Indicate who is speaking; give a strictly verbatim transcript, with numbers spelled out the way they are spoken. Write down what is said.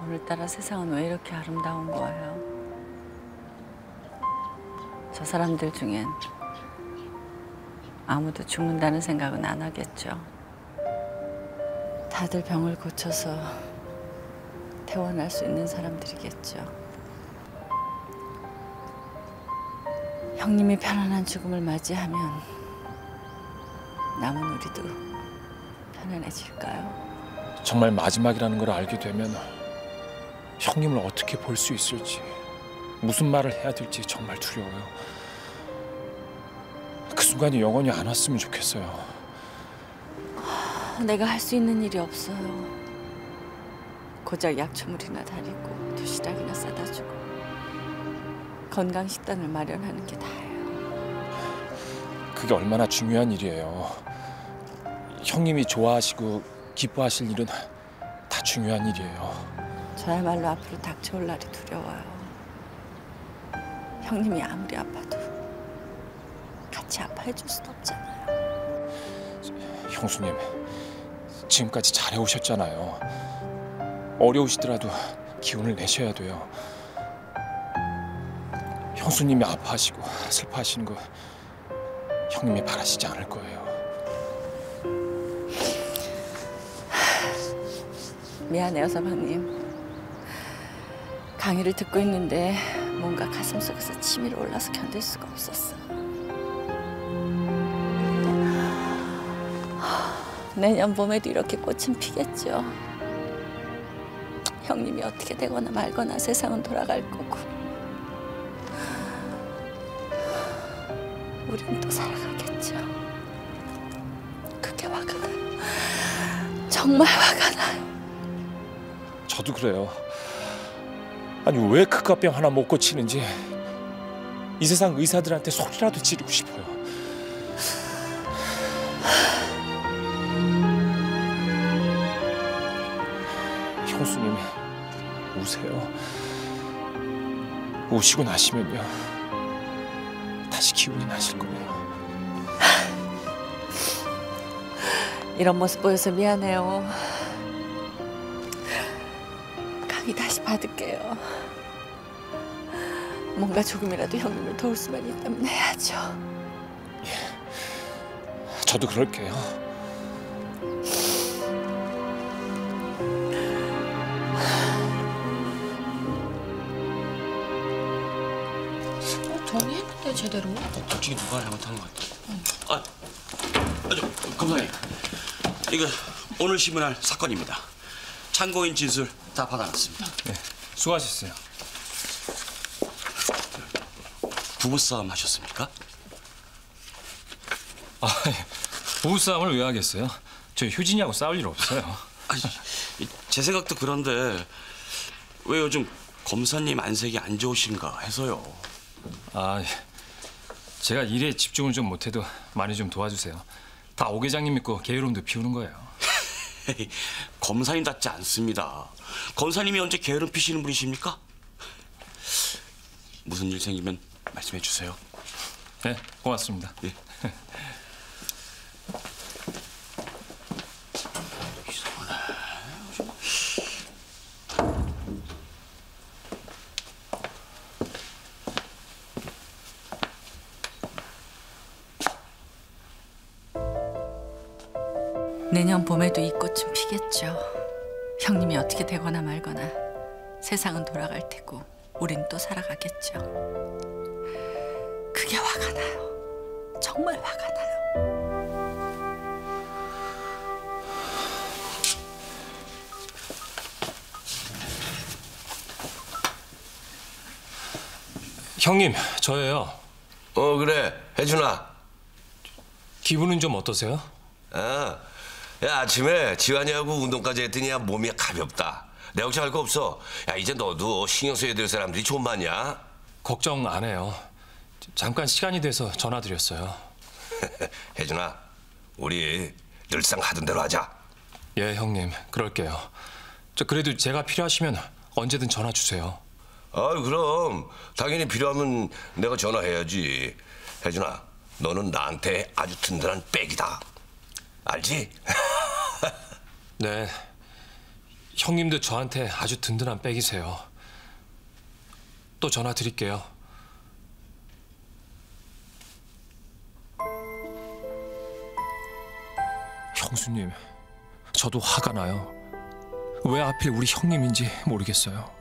Speaker 1: 오늘따라 세상은 왜 이렇게 아름다운 거예요? 저 사람들 중엔 아무도 죽는다는 생각은 안 하겠죠. 다들 병을 고쳐서 퇴원할 수 있는 사람들이겠죠. 형님이 편안한 죽음을 맞이하면 남은 우리도 편안해질까요?
Speaker 2: 정말 마지막이라는 걸 알게 되면 형님을 어떻게 볼 수 있을지, 무슨 말을 해야 될지 정말 두려워요. 그 순간이 영원히 안 왔으면 좋겠어요.
Speaker 1: 내가 할 수 있는 일이 없어요. 고작 약초물이나 다리고 도시락이나 싸다 주고 건강식단을 마련하는 게 다예요.
Speaker 2: 그게 얼마나 중요한 일이에요. 형님이 좋아하시고 기뻐하실 일은 다 중요한 일이에요.
Speaker 1: 저야말로 앞으로 닥쳐올 날이 두려워요. 형님이 아무리 아파도 같이 아파해 줄 순 없잖아요.
Speaker 2: 형수님, 지금까지 잘해오셨잖아요. 어려우시더라도 기운을 내셔야 돼요. 형수님이 아파하시고 슬퍼하시는 거 형님이 바라시지 않을 거예요.
Speaker 1: 미안해요, 서방님. 강의를 듣고 있는데 뭔가 가슴속에서 치밀어 올라서 견딜 수가 없었어. 내년 봄에도 이렇게 꽃은 피겠죠. 형님이 어떻게 되거나 말거나 세상은 돌아갈 거고 우린 또 살아가겠죠. 그게 화가 나요. 정말 화가 나요.
Speaker 2: 저도 그래요. 아니 왜 그깟병 하나 못 고치는지 이 세상 의사들한테 소리라도 지르고 싶어요. 형수님 우세요. 우시고 나시면요 다시 기운이 나실 거예요.
Speaker 1: 이런 모습 보여서 미안해요. 강의 다시 받을게요. 뭔가 조금이라도 형님을 도울 수만 있다면 해야죠.
Speaker 2: 예, 저도 그럴게요.
Speaker 3: 정리했는데 제대로?
Speaker 4: 솔직히 누가 잘못한 것 같아. 응. 아, 아, 저, 검사님. 이거 오늘 신문할 사건입니다. 참고인 진술 다 받아놨습니다.
Speaker 2: 네, 수고하셨어요.
Speaker 4: 부부싸움 하셨습니까?
Speaker 2: 아, 부부싸움을 왜 하겠어요? 저 효진이하고 싸울 일 없어요.
Speaker 4: 아니, 제 생각도 그런데 왜 요즘 검사님 안색이 안 좋으신가 해서요.
Speaker 2: 아, 제가 일에 집중을 좀 못해도 많이 좀 도와주세요. 다 오 계장님 믿고 게으름도 피우는 거예요.
Speaker 4: 검사님답지 않습니다. 검사님이 언제 게으름 피시는 분이십니까? 무슨 일 생기면 말씀해 주세요.
Speaker 2: 네, 고맙습니다.
Speaker 4: 네.
Speaker 1: 내년 봄에도 이 꽃은 피겠죠. 형님이 어떻게 되거나 말거나 세상은 돌아갈 테고 우린 또 살아가겠죠. 그게 화가 나요. 정말 화가 나요.
Speaker 2: 형님, 저예요.
Speaker 5: 어 그래, 혜준아.
Speaker 2: 기분은 좀 어떠세요?
Speaker 5: 아, 야 아침에 지환이하고 운동까지 했더니 야, 몸이 가볍다. 내 걱정할 거 없어. 야 이제 너도 신경 써야 될 사람들이 좀 많냐?
Speaker 2: 걱정 안 해요. 잠깐 시간이 돼서 전화드렸어요.
Speaker 5: 혜준아, 우리 늘상 하던 대로 하자.
Speaker 2: 예, 형님, 그럴게요. 저 그래도 제가 필요하시면 언제든 전화 주세요.
Speaker 5: 아 그럼 당연히 필요하면 내가 전화해야지. 혜준아, 너는 나한테 아주 든든한 백이다. 알지?
Speaker 2: 네, 형님도 저한테 아주 든든한 백이세요. 또 전화 드릴게요. 형수님, 저도 화가 나요. 왜 하필 우리 형님인지 모르겠어요.